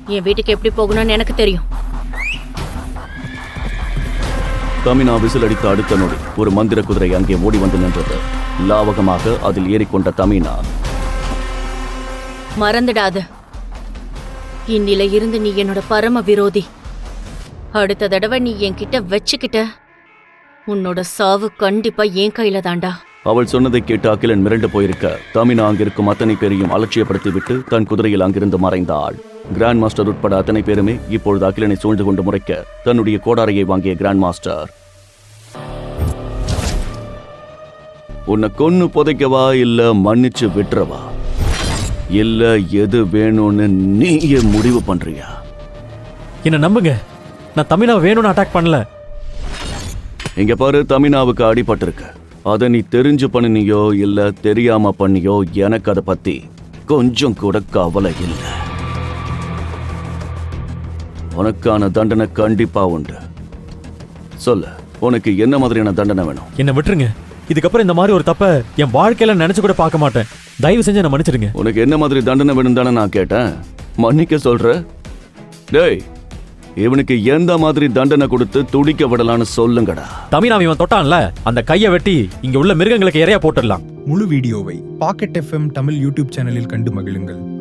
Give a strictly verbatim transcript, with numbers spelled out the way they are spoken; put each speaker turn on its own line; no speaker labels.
என் வீட்டுக்கு எப்படி போகணும்னு எனக்கு தெரியும்.
தமினா விசில் அடித்த அடுத்த நொடி ஒரு மந்திர குதிரை அங்கே ஓடி வந்து நின்றது. லாவகமாக அதில் ஏறிக்கொண்ட தமினா,
மறந்துடாத, இன்னில இருந்து நீ என்னோட பரம விரோதி. அடுத்த தடவை நீ என்கிட்ட வச்சுக்கிட்ட உன்னோட சாவு கண்டிப்பா என் கையில தாண்டா.
அவள் சொன்னதை கேட்டு அகிலன் மிரண்டு போயிருக்க தமினா அங்கிருக்கும் அத்தனை பேரையும் அலட்சியப்படுத்திவிட்டு தன் குதிரையில் அங்கிருந்து மறைந்தாள். கிராண்ட் மாஸ்டர் உட்பட அத்தனை பேருமே இப்பொழுது அகிலனை சூழ்ந்து கொண்டு முறைக்க தன்னுடைய கோடாரையை வாங்கிய கிராண்ட் மாஸ்டர், உன்னை கொன்னு புதைக்கவா இல்ல மன்னிச்சு விட்டுறவா, இல்ல எது வேணும்னு நீயே முடிவு பண்றியா?
என்ன நம்புங்க, நான் தமிழாவை வேணும்னு அட்டாக் பண்ணல.
இங்க பாரு, தமினாவுக்கு அடிபட்டிருக்கு. அதை நீ தெரிஞ்சு பண்ணினியோ இல்ல தெரியாம பண்ணியோ எனக்கு அதை பத்தி கொஞ்சம் கூட கவலை இல்லை. உனக்கான தண்டனை கண்டிப்பா உண்டு. சொல்லு, உனக்கு என்ன மாதிரியான தண்டனை வேணும்?
என்ன விட்டுருங்க. இதுக்கப்புறம் இந்த மாதிரி ஒரு தப்ப என் வாழ்க்கையில நினைச்சு கூட பார்க்க மாட்டேன். தயவு செஞ்சு என்ன மன்னிச்சிடுங்க.
உனக்கு என்ன மாதிரி தண்டனை வேணும் தானே நான் கேட்டேன். மன்னிக்க சொல்ற? டேய், இவனுக்கு எந்த மாதிரி தண்டனை கொடுத்து துடிக்க விடலான்னு சொல்லுங்கடா.
தமிழ் இவன் தொட்டான்ல, அந்த கையை வெட்டி இங்க உள்ள மிருகங்களுக்கு இறையா போட்டுடலாம்.
முழு வீடியோவை பாக்கெட் எஃப்எம் தமிழ் யூடியூப் சேனலில் கண்டு மகிழுங்கள்.